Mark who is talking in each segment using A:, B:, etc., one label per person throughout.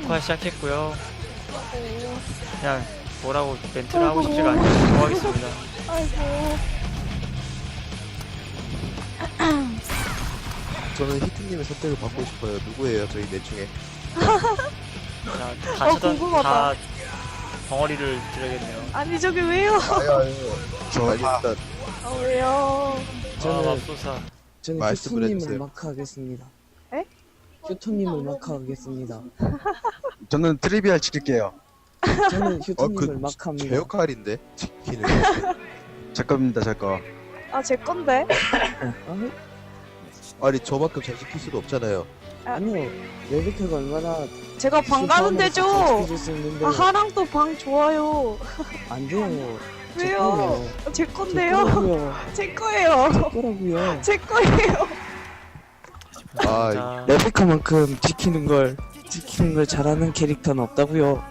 A: 녹화 시작했고요. 그냥 뭐라고 멘트를 하고 싶지가 않아요. 넘어가겠습니다.
B: 아이고.
C: 저는 히트님의 선택을 받고 싶어요. 누구예요, 저희 넷 중에?
A: 자, 다
B: 궁금하다.
A: 다 덩어리를 드려야겠네요.
B: 아니 저기 왜요?
C: 아유. 저 일단
B: 아 왜요?
A: 저는
D: 저는-
A: 맙소사.
D: 저는
C: 말씀을
D: 휴토님을
C: 해주세요.
D: 마크하겠습니다.
B: 에?
D: 휴토님을 마크하겠습니다.
E: 저는 트리비알 지킬게요.
D: 저는 휴토님을
C: 제
D: 마크합니다.
C: 역할인데 지키는.
E: 제 겁니다, 제 거.
B: 아 제 건데.
C: 아니 저만큼 잘 지킬 수도 없잖아요.
D: 아니요, 레베카가 얼마나
B: 제가 방 가는 데죠.
D: 지켜줄 수 있는데
B: 아 하랑 또 방 좋아요.
D: 안 돼요. 제
B: 왜요?
D: 거예요.
B: 제
D: 제
B: 건데요.
D: 거라고요.
B: 제 거예요.
D: 제 거라고요.
B: 제 거예요.
C: 아,
A: 자,
D: 레베카만큼 지키는 걸 잘하는 캐릭터는 없다고요.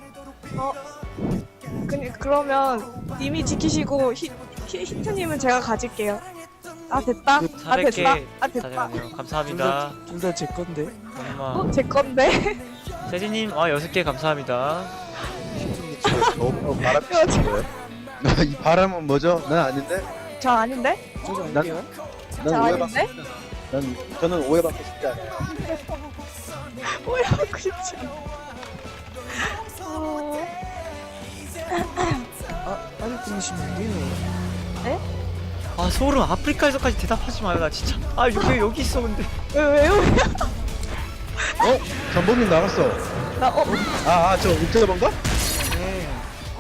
B: 그러면 님이 지키시고 히트님은 제가 가질게요. 아 됐다. 아 됐다.
A: 400개
B: 아 됐다.
A: 다녀가네요. 감사합니다.
D: 둘 다 제 건데.
A: 엄마.
B: 제 건데.
A: 세진님, 6개 감사합니다.
C: 히트님 진짜 너무 바람 피는 거예요.
E: 이 바람은 뭐죠? 난 아닌데?
B: 저 아닌데?
D: 저도
E: 난-
D: 할게요.
E: 난
B: 저
E: 오해받고
B: 아닌데?
E: 저는 오해받고 싶지 않아요.
B: 뭐야 하고 싶지 않아.
D: 빨리 끊으시면 안 돼요.
A: 아, 소름. 아프리카에서까지 대답하지 마요. 나 진짜. 아, 왜 여기 있어, 근데.
B: 왜요?
E: 전범님 나갔어.
B: 나
E: 저 옥저버인가?
A: 네.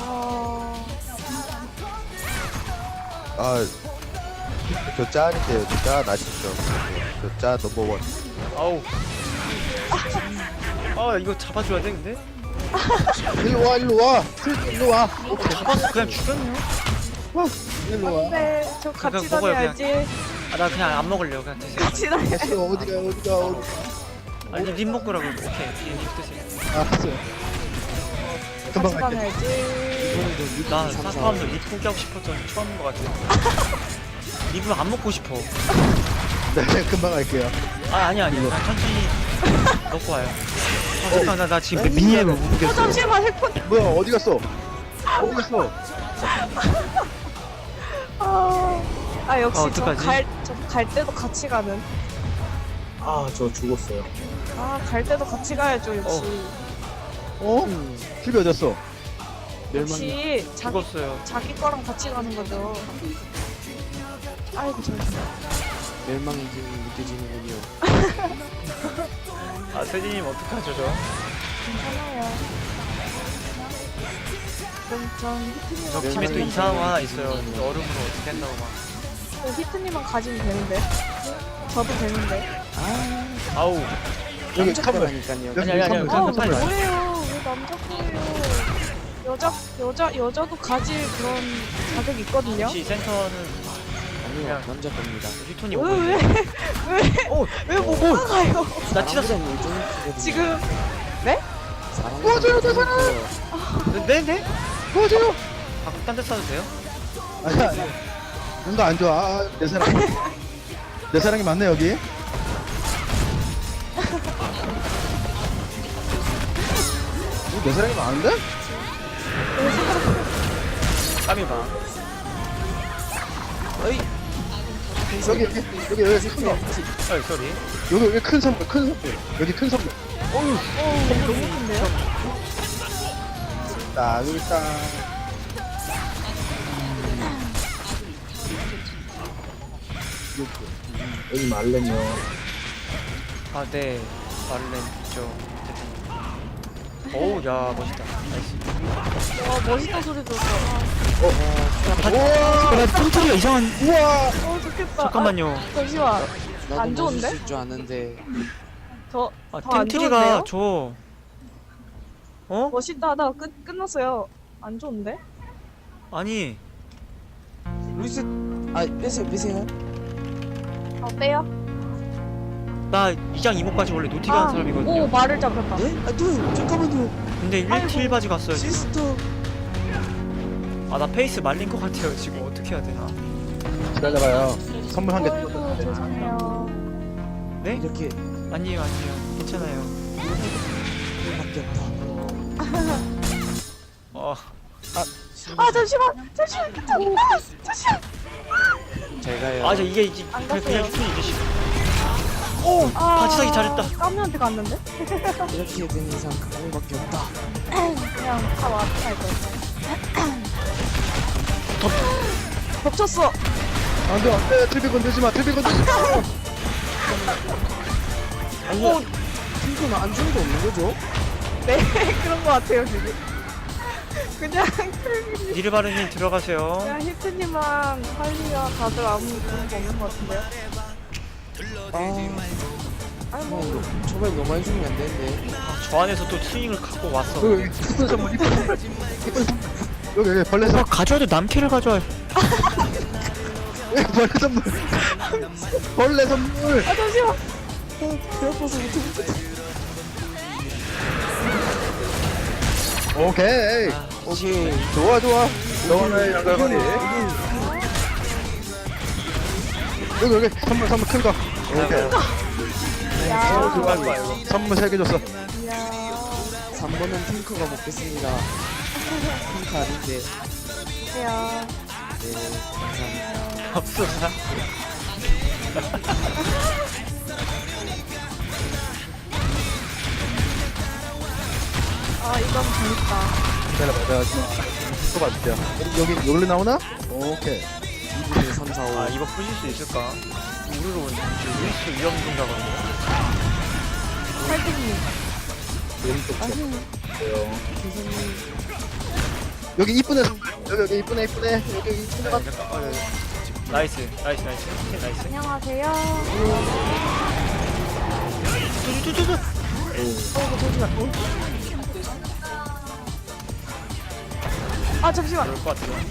C: 아, 저 짠인데요. 저 짠 아시죠? 저 짠 넘버원.
A: 아우. 아, 이거 잡아줘야 돼, 근데?
E: 일로 와, 일로 와. 일로 와.
A: 잡았어. 그냥 죽였네요.
E: 일로 와.
B: 네, 저 같이
A: 그냥 먹어요,
B: 다녀야지.
A: 아, 나 그냥 안 먹을래요. 그냥 드세요.
B: 같이 다녀.
E: 됐어, 어디가.
A: 아니, 님 먹으라고. 오케이. 님 드세요.
E: 알았어요. 금방
B: 같이
E: 갈게.
B: 다녀야지.
A: 나 사파함도 립 포기하고 싶었던 처음인 것 같아. 립을 안 먹고 싶어.
E: 네, 금방 갈게요.
A: 아니. 그냥 천천히 먹고 와요. 아, 잠깐, 나 지금 미니맵을 못 보겠어.
B: 잠시만 핵폰.
E: 뭐야, 어디 갔어? 어디 갔어?
B: 아 역시
A: 어떡하지?
B: 갈 때도 같이 가는.
F: 저 죽었어요.
B: 아 갈 때도 같이 가야죠 역시.
E: 집이 어딨어?
B: 역시
A: 죽었어요.
B: 자기 거랑 같이 가는 거죠. 아이고 저
D: 멸망이 지금 느껴지는군요.
A: 아, 세진님 어떡하죠, 저?
B: 괜찮아요. 그럼 전 히트님만
A: 저 팀에 또
B: 가지면
A: 이상한 거
B: 되는데.
A: 하나 있어요. 얼음으로 어떻게 한다고 막.
B: 히트님만 가지면 되는데. 저도 되는데.
A: 아우.
E: 여기
D: 남자
E: 카메라.
D: 거라니까요.
E: 여기
A: 아니,
E: 선물,
A: 그냥
E: 선물.
A: 빨리
B: 뭐예요? 왜 남자 거예요? 여자도 가질 그런 자격이 있거든요.
A: 혹시 센터는
D: 아니요, 남자 겁니다.
A: 휴톤이 오고 있어요.
B: 왜못 나가요?
A: 나 찢었어.
D: 사람들은 일종이거든요.
B: 지금
D: 사랑해요,
A: 네?
E: 도와줘요.
A: 가끔 딴데 싸도 돼요?
E: 아니, 뭔가 안 좋아. 내 사랑. 내 사랑이 맞네, 여기. 내 사랑이 많은데?
A: 까미 봐.
E: 여기 큰 거.
A: 어이, 쏘리.
E: 여기 큰 선물, 큰 선물. 여기 큰 선물.
B: 너무 큰데요?
E: 자, 여기 있다.
F: 여기 말렌요.
A: 아, 네. 말렌 있죠. 어우, 야, 멋있다. 나이스.
B: 와 멋있다 소리 들었어.
A: 나 뚱뚱이가 이상한.
E: 우와!
B: 좋겠다.
A: 잠깐만요.
B: 아, 잠시만.
D: 나도
B: 안 좋은데?
D: 멋있을 줄 아는데.
B: 더
A: 아,
B: 더안
A: 템트리가
B: 좋은데요?
A: 저. 어?
B: 멋있다 하다가 끝났어요. 안 좋은데?
A: 아니.
D: 루이스, 빼세요.
B: 빼요.
A: 나 2장 이모까지 원래 노티가 한 사람이거든요.
B: 오 말을 잡혔다.
D: 네? 잠깐만요.
A: 근데
B: 아이고.
A: 1틸 바지 갔어요. 지금.
D: 시스터.
A: 아, 나 페이스 말린 것 같아요. 지금 어떻게 해야 되나?
E: 기다려봐요. 선물 한 개.
B: 아이고 죄송해요.
A: 네?
D: 이렇게
A: 아니에요. 괜찮아요.
D: 밖에 없다.
A: 어,
B: 아 잠시만 히트님. 아 잠시만.
D: 잘 가요.
A: 아, 이게
B: 안
A: 그냥
B: 갔어요.
A: 히트님 이제 오, 같이 사기 잘했다.
B: 까미한테 갔는데?
D: 이렇게 된 이상 그거밖에 없다.
B: 그냥 다 와서 갈 거였어. 덮쳤어.
E: 안돼 안돼 틀비 건들지 마 틀비 건들지 마.
D: 아니, 핑크는 안 주는 거 없는 거죠?
B: 네 그런 거 같아요 지금. 그냥
A: 니르바르님 들어가세요.
B: 그냥 히트님랑 할리가 다들 아무 그런 거 없는 거 같은데요? 아니 뭐
D: 초반에 너무 많이 주면 안 되는데.
A: 저 안에서 또 스윙을 갖고 왔어.
E: 여기 이쁜 선물 이쁜 선물 이쁜 선물 여기 벌레 선물
A: 가져와도 남캐를 가져와요.
E: 벌레 선물 벌레 선물
B: 아 잠시만.
D: 배 아파서 못해.
E: 오케이
D: 오케이.
E: 좋아 좋아 너와의 양갈머리 여기 선물 큰거 오케이
B: 야.
A: 들어갈 거야 이거.
E: 선물 3개 줬어
B: 이야.
D: 3번은 핑크가 먹겠습니다. 핑크 아닌데.
B: 야.
D: 네, 감사합니다.
A: 없어서.
B: 아 이건 재밌다.
E: 기다려봐 내가 또 봐줄게요 여기 여기로 나오나? 오케이
D: 2분의 3, 4, 5.
A: 아, 이거 부실 수 있을까? 우리로 루이스 위험 중자거든요.
B: 할등님.
F: 왼쪽 쳤어요.
E: 여기 이쁘네 선물 여기 이쁘네 여기 이쁘네
A: 나이스. 나이스.
B: 안녕하세요. 아 잠시만.
A: 그럴 것 같아요.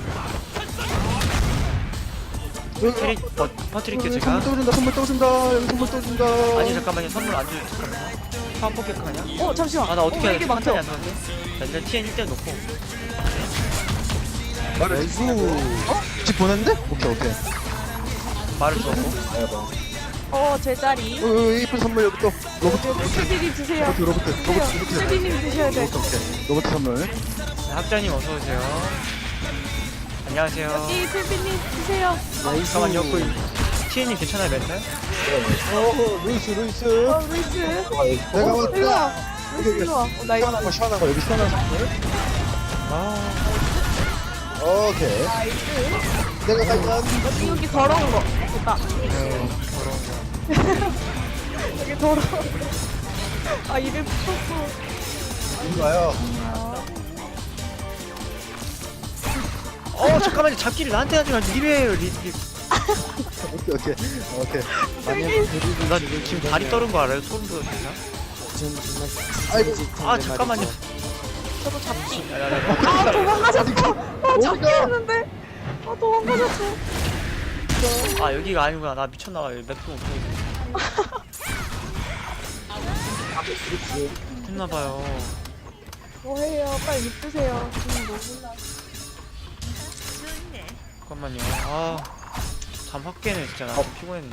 E: 여기
A: 캐릭 퍼뜨릴게 제가.
E: 선물 또 준다 여기 선물 또 준다
A: 아니 잠깐만요. 선물 안 줘. 잠깐만요. 파워 포켓 하냐?
B: 어 잠시만.
A: 아, 나 어떻게 해야
B: 이게
A: 돼?
B: 막혀.
A: 판단이 안 나는데? 나 일단 TN 1대 놓고.
E: 나이스 집 보냈는데? 오케이
A: 말을 주었고.
B: 제자리.
E: 여기 이쁜 선물 여기 또 로봇
B: 수비님 드세요.
E: 로봇
B: 수비님 드셔야 돼.
E: 로봇 선물
A: 네, 학자님 어서오세요. 안녕하세요.
B: 이 수비님 드세요.
A: 잠깐만요. 그 TN님 괜찮아요 멘탈?
E: 루이스
B: 루이스.
E: 내가
B: 일로
E: 왔다
B: 와. 루이스 일로 와. 나 이거
E: 시원한 거 여기 시원한 선물 오케이 내가 갈게
B: 여기 더러운 거. 됐다. 여기 더러워. 아 이름 붙었어.
E: 이리 와요
A: 잠깐만요. 잡기를 나한테 하지 말고 리베예요. 리.
E: 오케이
D: 만약
A: 나 지금 다리 떨은 거 알아요? 소름 돋아 진짜.
D: 전 정말
E: 아이고.
A: 아 잠깐만요.
B: 저도 잡기.
A: 야.
B: 아 도망가셨어. 아 잡기 했는데. 아 도망가셨어.
A: 아 여기가 아니구나. 나 미쳤나 봐요. 맵도 못 보고. 했나 봐요.
B: 뭐해요? 빨리 입 드세요. 지금 뭐
A: 잠깐만요. 잠 확 깨네 진짜. 나 피곤했는데.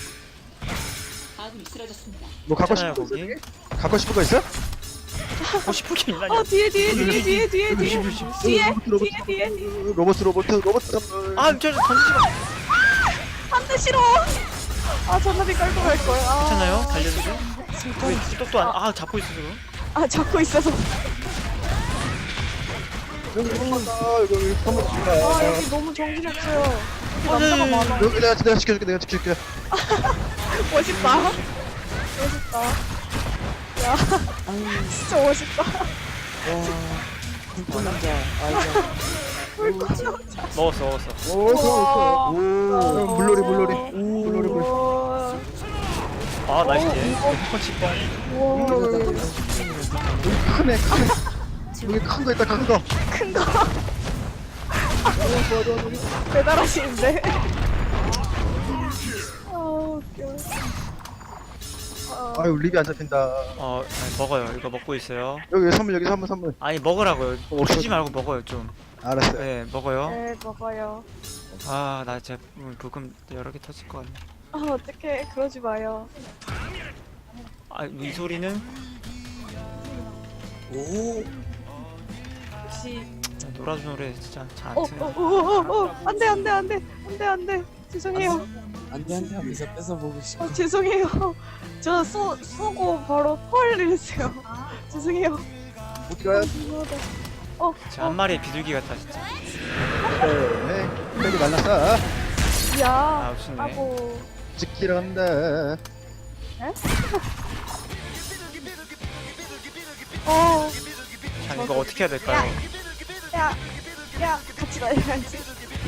E: 뭐 갖고
A: 괜찮아요,
E: 싶은 거
A: 거기?
E: 있어? 갖고 싶은 거 있어?
A: 갖고 싶은 게 있나요?
B: 뒤에
E: 로봇 선물
A: 저 던지지 마.
B: 안돼 싫어. 아 전화비 깔고 갈 거야.
A: 괜찮아요? 달려주죠? 왜 똑도 안? 잡고 있어 지금.
B: 아 잡고 있어서.
E: 여기 선물 준다
B: 아 여기 너무 정신없어요. 여기
A: 네.
B: 남자가 많아.
E: 여기 내가 지켜줄게
B: 멋있다. 멋있다. 야 진짜 멋있다.
D: 와, 핑크 남자. 아이자.
A: 먹었어.
E: 오
B: 오.
E: 물놀이
A: 나이스. 펀치 뻥.
E: 크네 여기 큰 거 있다 큰거
B: 큰 거. 배달하시는데. 아 웃겨.
E: 아유 립이 안 잡힌다
A: 아니, 먹어요. 이거 먹고 있어요.
E: 여기 선물
A: 아니 먹으라고요. 주지 말고 먹어요 좀.
E: 알았어요
A: 네 먹어요.
B: 네 먹어요.
A: 나 진짜 부금 여러 개 터질 것 같네.
B: 아 어떡해 그러지 마요.
A: 이 소리는
D: 오,
B: 역시.
A: 놀아준 노래 진짜 잘 안
B: 어,
A: 트네.
B: 안돼. 죄송해요.
D: 안돼 하면서 뺏어보고 싶어.
B: 죄송해요. 저 쏘고 바로 펄 이랬어요. 죄송해요.
C: 어디 가요?
B: 죄송하다.
A: 진짜 한 마리의 비둘기 같다 진짜.
E: 네. 빨리 날랐어.
B: 야.
A: 아웃이네.
B: 아고.
E: 지키러 간다.
A: 자 이거 어떻게 해야 될까요?
B: 야, 같이 다녀야지.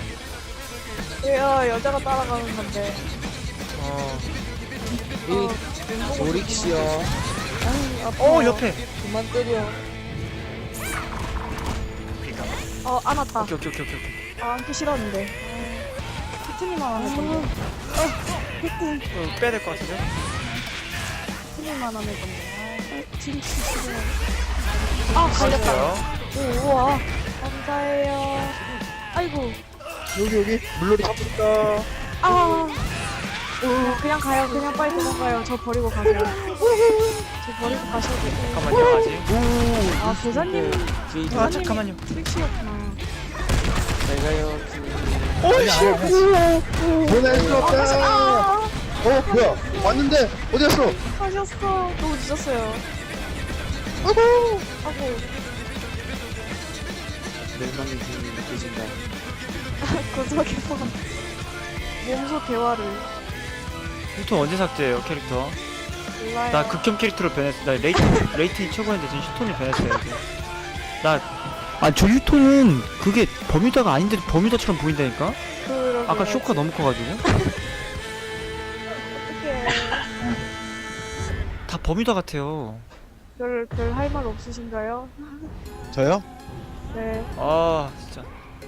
B: 왜요? 여자가 따라가는 건데.
D: 이 오릭시여
A: 옆에.
D: 그만 때려.
B: 안았다.
A: 오케이.
B: 안기 싫었는데. 피트니만 안 할 건데.
A: 빼야 될 것 같은데?
B: 피트니만 안 할 건데. 진짜 싫어. 걸렸다.
A: 걸렸어요.
B: 오, 우와. 감사해요. 아이고.
E: 여기 물놀이 가볼까?
B: 그냥 가요. 그냥 빨리 도망가요. 저 버리고 가세요. 저 버리고 가셔도 돼요.
A: 잠깐만요 아직.
B: 계산님
A: 아 잠깐만요.
B: 트릭시였구나.
D: 제가요
E: 보낼 수 없다. 뭐야? 왔는데 어디 갔어?
B: 하셨어. 너무 늦었어요.
E: 아이고.
D: 멸망의 기운이 느껴진다.
B: 구석에서 몸소 대화를.
A: 휴톤 언제 삭제해요 캐릭터?
B: 몰라요.
A: 나 극혐 캐릭터로 변했어. 나 레이튼이 최고였는데 지금 휴톤이 변했어요 이제. 저 휴톤은 그게 버뮤다가 아닌데 버뮤다처럼 보인다니까?
B: 그러게요.
A: 아까 쇼크가 너무 커가지고.
B: 어떡해.
A: 다 버뮤다 같아요.
B: 별 할 말 없으신가요?
E: 저요?
B: 네.
A: 아 진짜.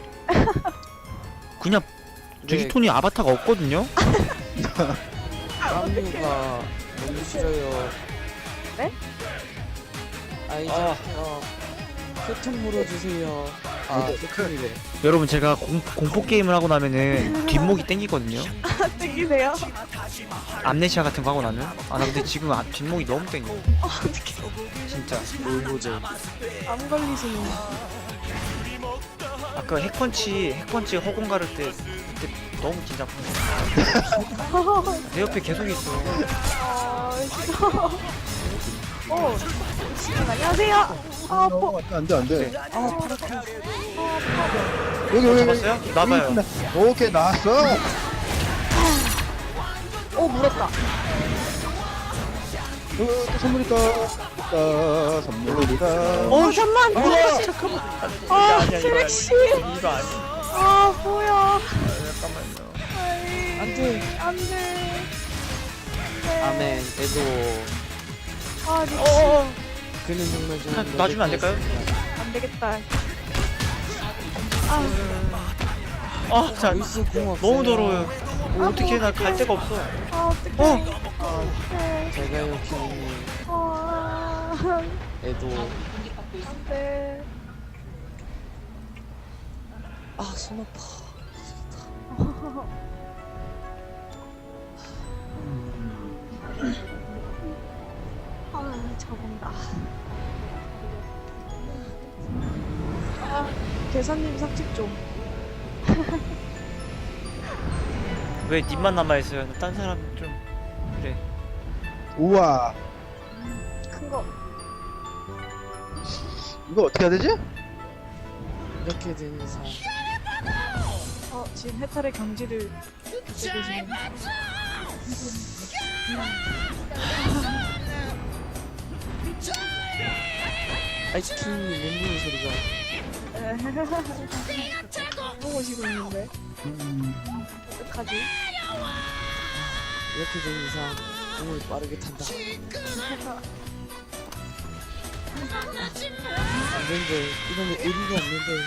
A: 그냥 저
D: 네.
A: 휴톤이 아바타가 없거든요?
D: 깜누가 너무 싫어요.
B: 네?
D: 아이자 표통 물어주세요. 표통이래.
A: 여러분 제가 공포 게임을 하고 나면은 뒷목이 땡기거든요.
B: 땡기세요?
A: 암네시아 같은 거 하고 나면. 나 근데 지금 뒷목이 너무 땡겨.
B: 어떡해.
A: 진짜.
D: 놀보제.
B: 안 걸리시네.
A: 아까 핵펀치 허공 가를 때 그때 너무 긴장했어. 내 옆에 계속 있어.
B: 싫어. 안녕하세요.
E: 안돼.
A: 네.
E: 여기.
A: 잡았어요? 나봐요.
E: 오케이 나왔어.
B: 물었다.
E: 또 선물이다. 선물이다.
B: 잠만.
A: 잠깐만. 아니야,
B: 트릭시.
A: 이거 아니야.
B: 뭐야.
A: 잠깐만요.
D: 안돼.
B: 안돼.
D: 아멘. 애도 그는 정말 좀
A: 놔주면 안 될까요?
B: 안 되겠다.
A: 자,
D: 벌써 공 없어요.
A: 너무 더러워요. 어떻게 나 갈 데가 없어.
B: 어떡해.
D: 제가요 기운이 애도
B: 안돼.
D: 손 아파.
B: 저건다. 계산님 삭집 좀.
A: 왜 님만 남아있어요? 딴 사람 좀 그래.
E: 우와.
B: 큰 거.
E: 이거 어떻게 해야 되지?
D: 이렇게 된 이상
B: 지금 해탈의 경지를 듣고 계시네.
D: 아이스크림이 맹무는 소리가
B: 보고 싶고 있는데. 어떡하지?
D: 이렇게 된 이상 공을 빠르게 탄다. 안되는데 이러면 의리가 없는데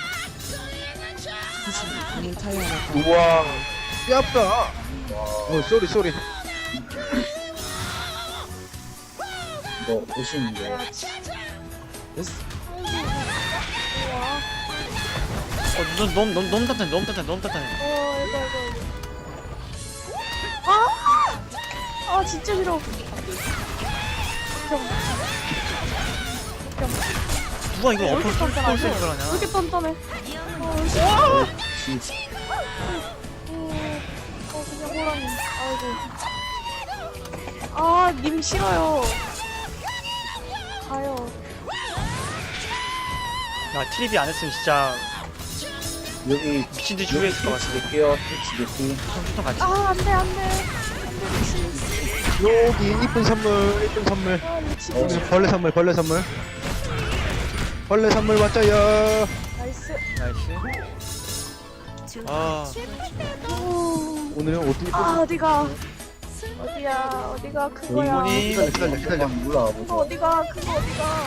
D: 사실 공을 타야 하나.
E: 우와. 뼈 아프다. 쏘리.
F: 이거 오시는데.
D: 됐어.
B: 우와.
A: 너무 단단해.
B: 이거. 진짜 싫어.
A: 누가 이거
B: 왜
A: 어퍼
B: 이렇게
A: 쏠
B: 단단하지?
A: 쏠
B: 왜
A: 하냐?
B: 이렇게 단단해? 그냥 호랑이. 아이고. 아, 님 싫어요. 가요.
A: 야 트리비 안 했으면 진짜
F: 여기
A: 미친 듯이 후회했을 것 같아.
F: 낼게요. 택시 낼게.
A: 좀 같이.
B: 아, 안 돼, 안 돼. 안 돼, 미친.
E: 여기 이쁜 선물, 이쁜 선물.
B: 아, 미친.
E: 여기 벌레 선물, 벌레 선물. 벌레 선물 왔자요.
B: 나이스.
A: 나이스. 아
E: 오늘은 어떻게
B: 아, 어디가. 어디야, 어디가, 그거야.
A: 이분이
E: 기다려.
F: 몰라.
B: 그거 어디가, 그거 어디가.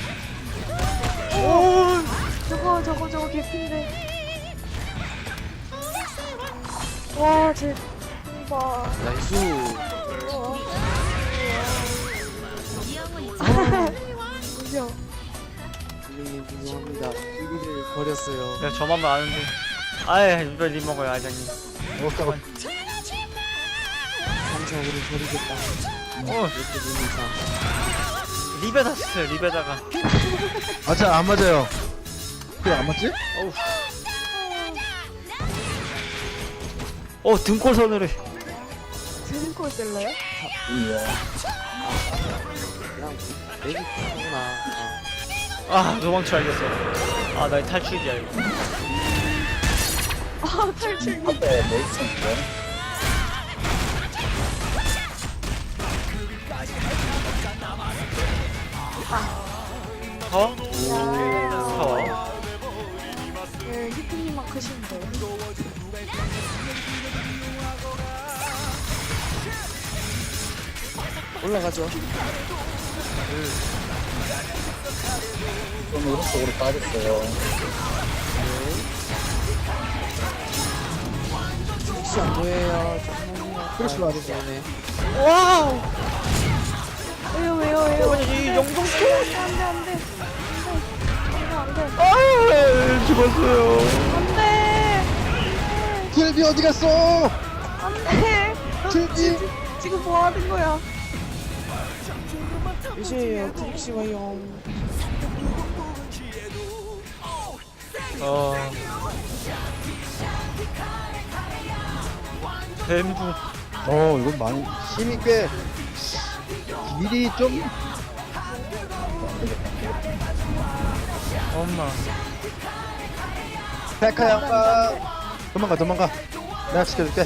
B: 저거 개핀데. 와, 쟤, 봐.
D: 나이스.
B: 무려.
D: 선생님 죄송합니다. 우리를 버렸어요.
A: 내가 저만 아는데. 아예 립 먹어요 아장님.
D: 상처 우리 버리겠다. 이렇게 되는 이상.
A: 립에다 썼어요 립에다가.
E: 아차 안 맞아요. 그래 안 맞지?
A: 등골 서늘해.
B: 드링콜 뜰래요?
F: 이야.
D: 그냥 내기 하구나.
A: 도망쳐 알겠어. 나의 탈출이야 이거.
B: 아, 탈출기.
F: 앞에 뭐 있었는데?
A: 파워?
B: 야.
A: 파워.
B: 네, 히트님만 크신데.
D: 올라가죠.
F: 좀 오른쪽으로 빠졌어요.
D: 혹시 안 보여요? 조금만요.
E: 그럴 줄 알았어.
D: 네.
A: 와우.
B: 왜요?
A: 이 영동
B: 안 돼. 안 돼.
A: 아유 죽었어요.
B: 안 돼.
E: 킬비 어디 갔어?
B: 안 돼.
E: 킬비.
B: 지금 뭐 하는 거야?
D: 몇이에요? 트릭시 와요.
A: 뱀부.
E: 이건 많이 힘이 꽤 미리 좀
A: 엄마.
E: 백화 양반. 도망가. 내가 지켜줄게.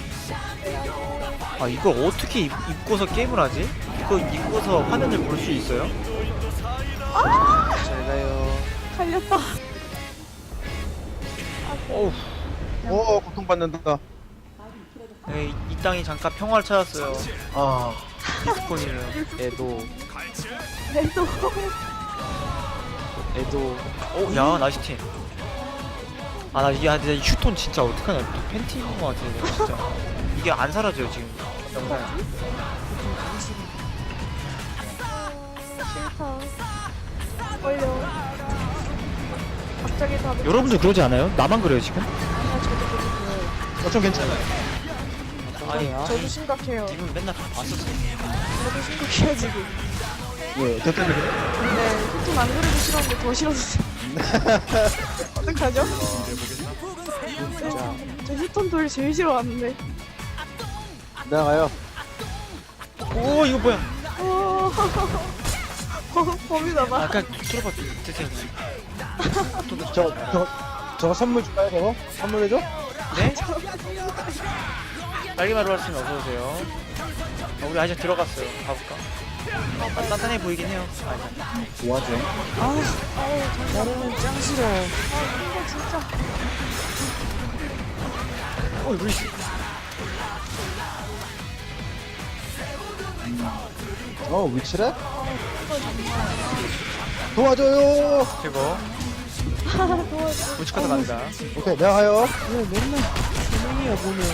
A: 이걸 어떻게 입고서 게임을 하지? 이거 입고서 화면을 볼 수 있어요?
D: 잘 가요.
B: 갈렸다.
A: 어우.
E: 고통받는다.
A: 이 땅이 잠깐 평화를 찾았어요.
F: 아,
A: 디스코니는.
D: 애도.
B: 그래도
A: 야 나이스 팀. 나 이게 진짜 이 휴톤 진짜 어떡하냐. 또 팬티 입은 거 같아 내가 진짜. 이게 안 사라져요 지금 영상에.
B: 싫다. 걸려. 갑자기 다.
A: 여러분들 그러지 않아요? 나만 그래요 지금?
E: 좀 괜찮아.
A: 아니
B: 저도 심각해요.
A: 님은 맨날 봤었어.
B: 저도 심각해요 지금.
E: 왜? 저 때문에 그래?
B: 네, 히톤 안 그래도 싫었는데 더 싫어졌어요. 어떡하죠? 저 히톤 돌 제일 싫어하는데.
E: 내가 가요.
A: 오 이거 뭐야?
B: 범이다나.
A: 아까 들어봐 드세요.
E: 저거 선물 줄까요, 저거? 선물해줘?
A: 네? 딸기마루 할수는 어서오세요. 우리 아직 들어갔어요. 가볼까? 단단해 보이긴 해요.
F: 도와줘.
D: 나는 짱 싫어.
B: 이거 진짜.
A: 루이스.
E: 위치래? 도와줘요!
A: 그리고
B: 도와줘.
A: 우측카드 간다.
E: 오케이, 내가 가요.
D: 왜 맨날 분명이야 보면.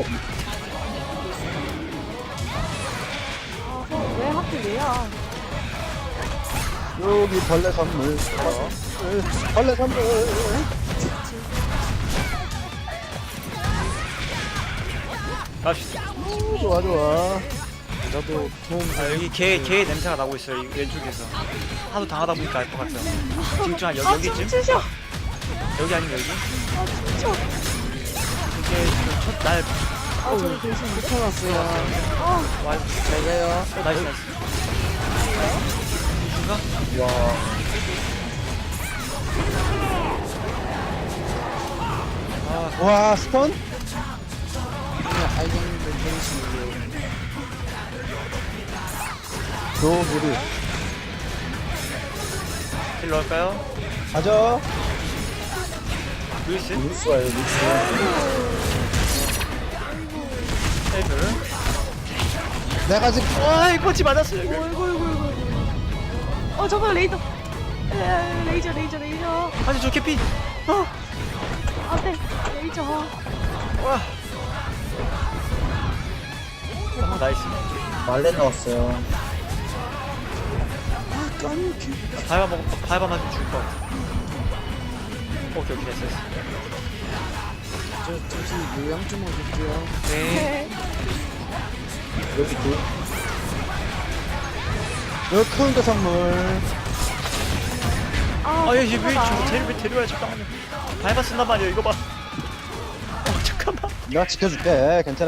B: 왜 하필 얘야?
E: 여기 벌레 선물. 벌레 선물.
A: 갑시다.
E: 좋아.
D: 저도 도움
A: 아, 여기 개 냄새가 나고 있어요. 이 왼쪽에서. 하도 당하다 보니까 알 것 같아요. 지금 좀 여기쯤?
B: 춤추셔.
A: 여기 아니면 여기?
B: 춤춰.
A: 이게 지금 첫날
B: 저기 계시네.
D: 붙여놨어요.
A: 와,
D: 잘 가요.
A: 나이스 나이스. 이슈가?
F: 와.
E: 와 스턴?
D: 그냥 알갱이들 보내시는데요.
E: 노무리
A: 딜 넣을까요?
E: 가져.
A: 루이스?
F: 루스 와요, 루스.
A: 헬들.
E: 내가 지금
A: 와, 이 펀치 맞았어요.
B: 어이구, 어이구, 어이구. 저거 레이저. 레이저.
A: 아니, 저 캐피.
B: 안 돼. 레이저.
A: 와. 나이스.
F: 말레 나왔어요.
A: 밟아 맞으면 죽을 것 같아. 오케이, 됐어.
D: 잠시 요양 좀 해줄게요.
A: 네.
F: 여기 둘.
E: 여기 카운터 선물.
A: 아, 얘 왜 데려와요, 잠깐만요. 밟아 쓴단 말이야, 이거 봐. 잠깐만.
E: 내가 지켜줄게. 괜찮아요.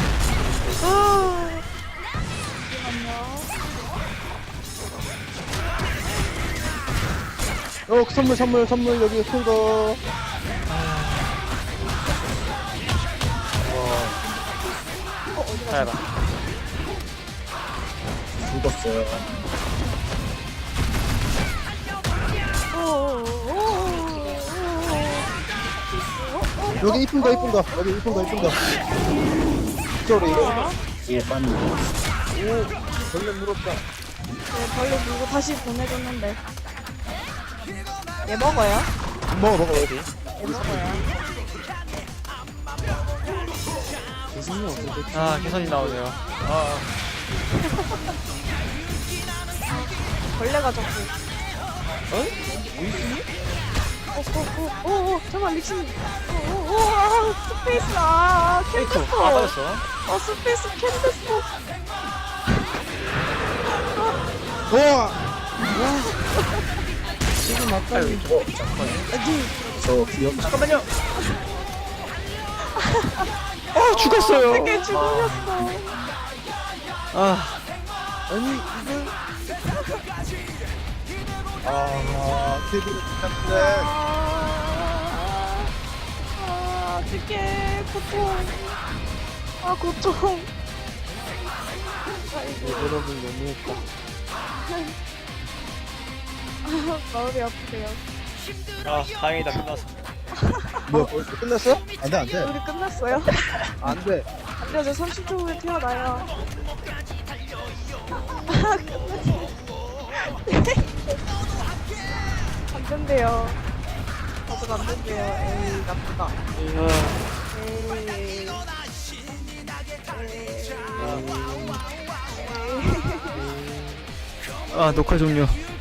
E: 선물 여기 큰 거.
A: 밟아.
F: 죽었어요.
E: 여기 이쁜 거. 여기 이쁜 거. 쏘리.
F: 뒤에 빠니.
E: 벌레 물었다.
B: 네, 벌레 물고 다시 보내줬는데. 얘 먹어요?
E: 먹어.
B: 얘 먹어요.
D: 교수님 어떻게
A: 아, 개선이 나오네요.
B: 벌레가 자꾸. 오, 잠깐만, 릭신. 스페이스, 캔드스포.
A: 빠졌어.
B: 스페이스 캔드스포.
E: 우와.
D: 지금 맞다니.
F: 저 기억.
A: 잠깐만요. 죽었어요.
B: 되게 죽으셨어.
D: 아니 이걸
E: TV 같은데.
B: 어떡해, 고통. 고통.
D: 여러분 너무했다.
B: 마음이 아프세요.
A: 다행이다, 끝났어.
E: 뭐 벌써 끝났어? 안돼.
B: 우리 끝났어요?
E: 안돼.
B: 안 돼요, 저 30초 후에 태어나요. 안 된대요. 아직 안 된대요. 에이, 나쁘다. 에이.
A: 녹화 종료.